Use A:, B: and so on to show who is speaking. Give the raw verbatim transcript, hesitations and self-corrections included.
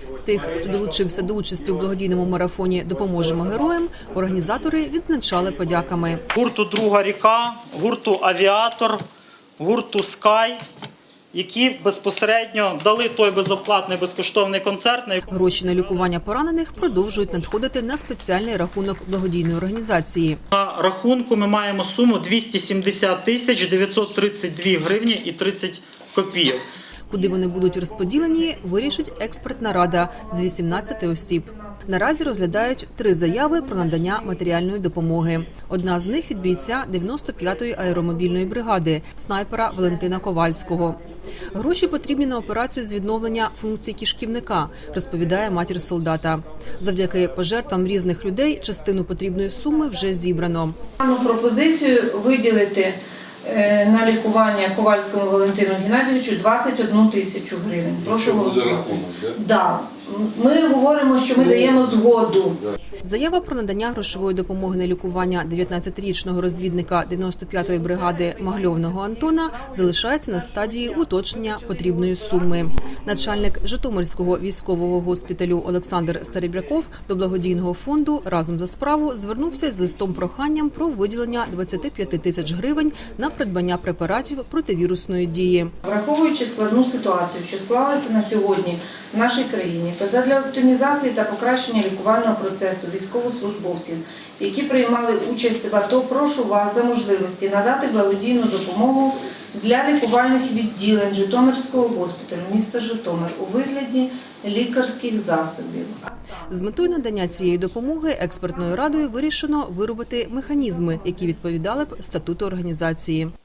A: Тих, хто долучився до участі у благодійному марафоні «Допоможемо героям», організатори відзначали подяками.
B: Гурту «Друга ріка», гурту «Авіатор», гурту «Скай», які безпосередньо дали той безоплатний безкоштовний концерт.
A: Гроші на лікування поранених продовжують надходити на спеціальний рахунок благодійної організації.
B: На рахунку ми маємо суму двісті сімдесят тисяч дев'ятсот тридцять дві гривні і тридцять копійок.
A: Куди вони будуть розподілені, вирішить експертна рада з вісімнадцяти осіб. Наразі розглядають три заяви про надання матеріальної допомоги. Одна з них від бійця дев'яносто п'ятої аеромобільної бригади, снайпера Валентина Ковальського. Гроші потрібні на операцію з відновлення функцій кишківника, розповідає матір солдата. Завдяки пожертвам різних людей частину потрібної суми вже зібрано.
C: Дану пропозицію виділити на лікування Ковальському Валентину Геннадійовичу двадцять одну тисячу гривень. Прошу голосувати. Да. Ми говоримо, що ми даємо згоду.
A: Заява про надання грошової допомоги на лікування дев'ятнадцятирічного розвідника дев'яносто п'ятої бригади Магльовного Антона залишається на стадії уточнення потрібної суми. Начальник Житомирського військового госпіталю Олександр Старебряков до благодійного фонду «Разом за справу» звернувся з листом-проханням про виділення двадцяти п'яти тисяч гривень на придбання препаратів противірусної дії.
C: Враховуючи складну ситуацію, що склалася на сьогодні в нашій країні, та задля оптимізації та покращення лікувального процесу військовослужбовців, які приймали участь в АТО, прошу вас за можливості надати благодійну допомогу для лікувальних відділень Житомирського госпіталю міста Житомир у вигляді лікарських засобів.
A: З метою надання цієї допомоги експертною радою вирішено виробити механізми, які відповідали б статуту організації.